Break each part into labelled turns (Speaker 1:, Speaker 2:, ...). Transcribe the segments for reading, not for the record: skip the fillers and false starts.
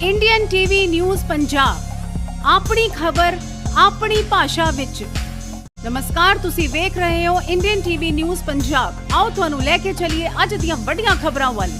Speaker 1: Indian TV news Punjab ਆਪਣੀ ਖਬਰ ਆਪਣੀ ਭਾਸ਼ਾ ਵਿੱਚ। ਨਮਸਕਾਰ, ਤੁਸੀਂ ਵੇਖ ਰਹੇ ਹੋ ਇੰਡੀਅਨ ਟੀਵੀ ਨਿਊਜ਼ ਪੰਜਾਬ। ਆਓ ਤੁਹਾਨੂੰ ਲੈ ਕੇ ਚੱਲੀਏ ਅੱਜ ਦੀਆਂ ਵੱਡੀਆਂ ਖਬਰਾਂ ਵੱਲ।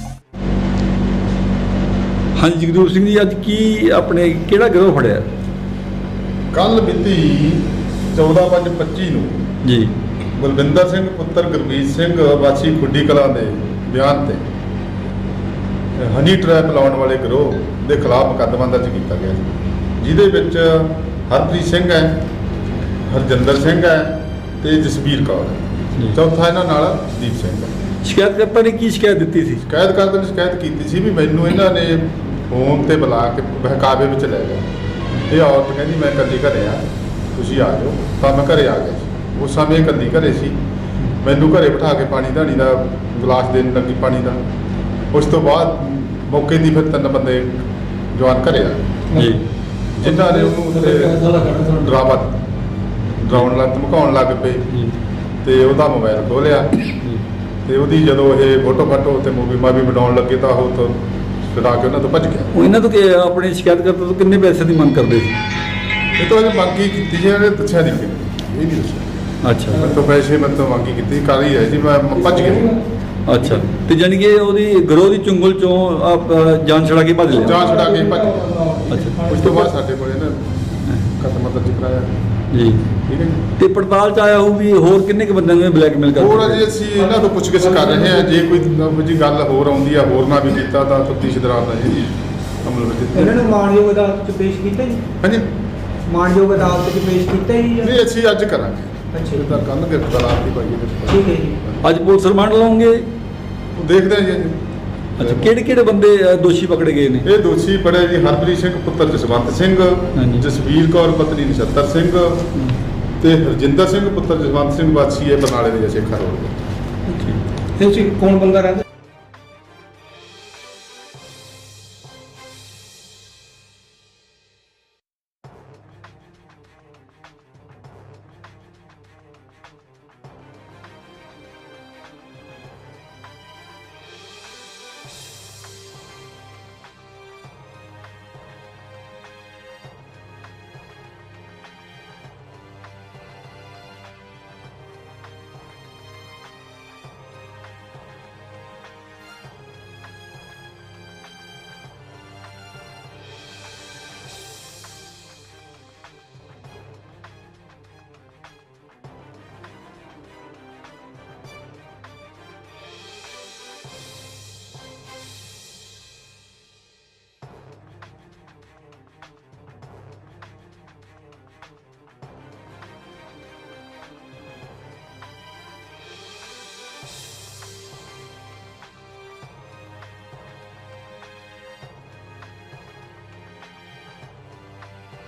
Speaker 2: ਹਾਂਜੀ ਜਗਦੂਰ ਸਿੰਘ ਜੀ, ਅੱਜ ਕੀ ਆਪਣੇ ਕਿਹੜਾ ਗਿਰੋਹ ਫੜਿਆ?
Speaker 3: ਕੱਲ ਮਿਤੀ 14/5/25 ਨੂੰ
Speaker 2: ਜੀ
Speaker 3: ਬਲਵਿੰਦਰ ਸਿੰਘ ਪੁੱਤਰ ਗੁਰਮੀਤ ਸਿੰਘ ਵਾਸੀ ਖੁੱਡੀ ਕਲਾਂ ਦੇ ਬਿਆਨ ਤੇ ਹਨੀ ਟਰੈਪ ਲਾਉਣ ਵਾਲੇ ਗਿਰੋਹ ਦੇ ਖਿਲਾਫ ਮੁਕੱਦਮਾ ਦਰਜ ਕੀਤਾ ਗਿਆ ਸੀ, ਜਿਹਦੇ ਵਿੱਚ ਹਰਪ੍ਰੀਤ ਸਿੰਘ ਹੈ, ਹਰਜਿੰਦਰ ਸਿੰਘ ਹੈ ਤੇ ਜਸਵੀਰ ਕੌਰ ਹੈ। ਚੌਥਾ ਇਹਨਾਂ ਨਾਲ ਦੀਪ ਸਿੰਘ ਹੈ।
Speaker 2: ਸ਼ਿਕਾਇਤਕਰਤਾ ਨੇ ਕੀ ਸ਼ਿਕਾਇਤ ਦਿੱਤੀ ਸੀ?
Speaker 3: ਸ਼ਿਕਾਇਤਕਰਤਾ ਨੇ ਸ਼ਿਕਾਇਤ ਕੀਤੀ ਸੀ ਵੀ ਮੈਨੂੰ ਇਹਨਾਂ ਨੇ ਫੋਨ ਤੇ ਬੁਲਾ ਕੇ ਬਹਿਕਾਵੇ ਵਿੱਚ ਲੈ ਗਿਆ। ਇਹ ਔਰਤ ਕਹਿੰਦੀ ਮੈਂ ਇਕੱਲੀ ਘਰੇ ਆ, ਤੁਸੀਂ ਆ ਜਾਓ। ਤਾਂ ਮੈਂ ਘਰੇ ਆ ਗਿਆ ਸੀ। ਉਸ ਸਮੇਂ ਇਕੱਲੀ ਘਰੇ ਸੀ। ਮੈਨੂੰ ਘਰੇ ਬਿਠਾ ਕੇ ਪਾਣੀ ਧਾਣੀ ਦਾ ਗਲਾਸ ਦੇਣ ਲੱਗੀ ਪਾਣੀ ਦਾ। ਉਸ ਤੋਂ ਬਾਅਦ ਮੌਕੇ ਦੀ ਫਿਰ 3 ਬੰਦੇ ਜਵਾਨ ਘਰੇ ਆ
Speaker 2: ਜੀ,
Speaker 3: ਜਿਨ੍ਹਾਂ ਨੇ ਉਹਨੂੰ ਡਰਾਉਣ ਲੱਗ ਧਮਕਾਉਣ ਲੱਗ ਪਏ ਤੇ ਉਹਦਾ ਮੋਬਾਈਲ ਖੋਲਿਆ ਤੇ ਉਹਦੀ ਜਦੋਂ ਇਹ ਫੋਟੋ ਤੇ ਮੂਵੀ ਬਣਾਉਣ ਲੱਗੇ ਤਾਂ ਉਹ ਤੋਂ ਛੁਡਾ ਕੇ ਉਹਨਾਂ ਤੋਂ ਭੱਜ ਗਿਆ।
Speaker 2: ਉਹ ਇਹਨਾਂ ਤੋਂ ਆਪਣੇ ਸ਼ਿਕਾਇਤਕਰਤਾ ਤੋਂ ਕਿੰਨੇ ਪੈਸੇ ਦੀ ਮੰਗ ਕਰਦੇ ਸੀ?
Speaker 3: ਇਹ ਤੋਂ ਇਹ ਮੰਗੀ ਕੀਤੀ ਸੀ, ਇਹਨੇ ਦੱਸਿਆ ਨਹੀਂ ਕਿ ਇਹ ਨਹੀਂ ਦੱਸਿਆ।
Speaker 2: ਅੱਛਾ
Speaker 3: ਮੇਰੇ ਤੋਂ ਪੈਸੇ ਮੇਰੇ ਤੋਂ ਮੰਗੀ ਕੀਤੀ, ਕਰ ਹੀ ਹੈ ਜੀ, ਮੈਂ ਭੱਜ ਗਿਆ।
Speaker 2: ਅੱਛਾ, ਤੇ ਜਾਣੀ ਕਿ ਉਹਦੀ ਗਿਰੋਹ ਦੀ ਚੁੰਗਲ ਚੋਂ ਜਾਨ ਛੁਡਾ ਕੇ ਭੱਜ ਲਿਆ?
Speaker 3: ਜਾਂ ਛੁਡਾ ਕੇ ਭੱਜ ਗਿਆ।
Speaker 2: ਅੱਛਾ,
Speaker 3: ਉਸ ਤੋਂ ਬਾਅਦ ਸਾਡੇ ਕੋਲ ਇਹਨਾਂ ਮੁਕੱਦਮਾ ਦਰਜ ਕਰਾਇਆ।
Speaker 2: ਜੀ
Speaker 3: ਠੀਕ ਹੈ ਜੀ।
Speaker 2: ਤੇ ਪੜਤਾਲ ਚ ਆਇਆ ਹੋਊ ਵੀ ਹੋਰ ਕਿੰਨੇ ਕੁ ਬੰਦਿਆਂ ਨੂੰ ਬਲੈਕਮੇਲ ਕਰਦੇ?
Speaker 3: ਹੋਰ ਅਜੇ ਅਸੀਂ ਇਹਨਾਂ ਤੋਂ ਪੁੱਛਗਿੱਛ ਕਰ ਰਹੇ ਹਾਂ। ਜੇ ਕੋਈ ਜੀ ਗੱਲ ਹੋਰ ਆਉਂਦੀ ਆ, ਹੋਰ ਨਾ ਵੀ ਕੀਤਾ ਤਾਂ ਤਫਤੀਸ਼ ਦੌਰਾਨ ਦਾ ਜੀ ਅਮਲ ਵਿੱਚ
Speaker 4: ਇਹਨਾਂ ਨੂੰ ਮਾਣਯੋਗ ਅਦਾਲਤ 'ਚ ਪੇਸ਼ ਕੀਤਾ ਜੀ?
Speaker 3: ਹਾਂਜੀ,
Speaker 4: ਮਾਣਯੋਗ ਅਦਾਲਤ 'ਚ ਪੇਸ਼ ਕੀਤਾ ਜੀ?
Speaker 3: ਨਹੀਂ ਅਸੀਂ ਅੱਜ ਕਰਾਂਗੇ।
Speaker 4: ਅੱਛਾ ਜੀ।
Speaker 3: ਤਾਂ ਕੱਲ੍ਹ ਗ੍ਰਿਫਤਾਰ ਆਪ ਦੀ ਪਾਈਏ।
Speaker 4: ਠੀਕ ਹੈ ਜੀ।
Speaker 2: ਅੱਜ ਪੁਲਿਸ ਰਿਮਾਂਡ ਲਾਉਂਗੇ?
Speaker 3: ਉਹ ਦੇਖਦੇ ਹਾਂ ਜੀ।
Speaker 2: ਅੱਛਾ, ਕਿਹੜੇ ਬੰਦੇ ਦੋਸ਼ੀ ਪਕੜੇ ਗਏ ਨੇ?
Speaker 3: ਇਹ ਦੋਸ਼ੀ ਬੜੇ ਜੀ ਹਰਪ੍ਰੀਤ ਸਿੰਘ ਪੁੱਤਰ ਜਸਵੰਤ ਸਿੰਘ,
Speaker 2: ਹਾਂਜੀ।
Speaker 3: ਜਸਵੀਰ ਕੌਰ ਪਤਨੀ ਨਛੱਤਰ ਸਿੰਘ ਤੇ ਹਰਜਿੰਦਰ ਸਿੰਘ ਪੁੱਤਰ ਜਸਵੰਤ ਸਿੰਘ ਵਾਸੀ ਇਹ ਬਰਨਾਲੇ ਦੇ ਸ਼ੇਖਾ ਰੋਡ।
Speaker 4: ਇਹ 'ਚ ਕੌਣ ਬੰਦਾ ਰਹਿੰਦਾ?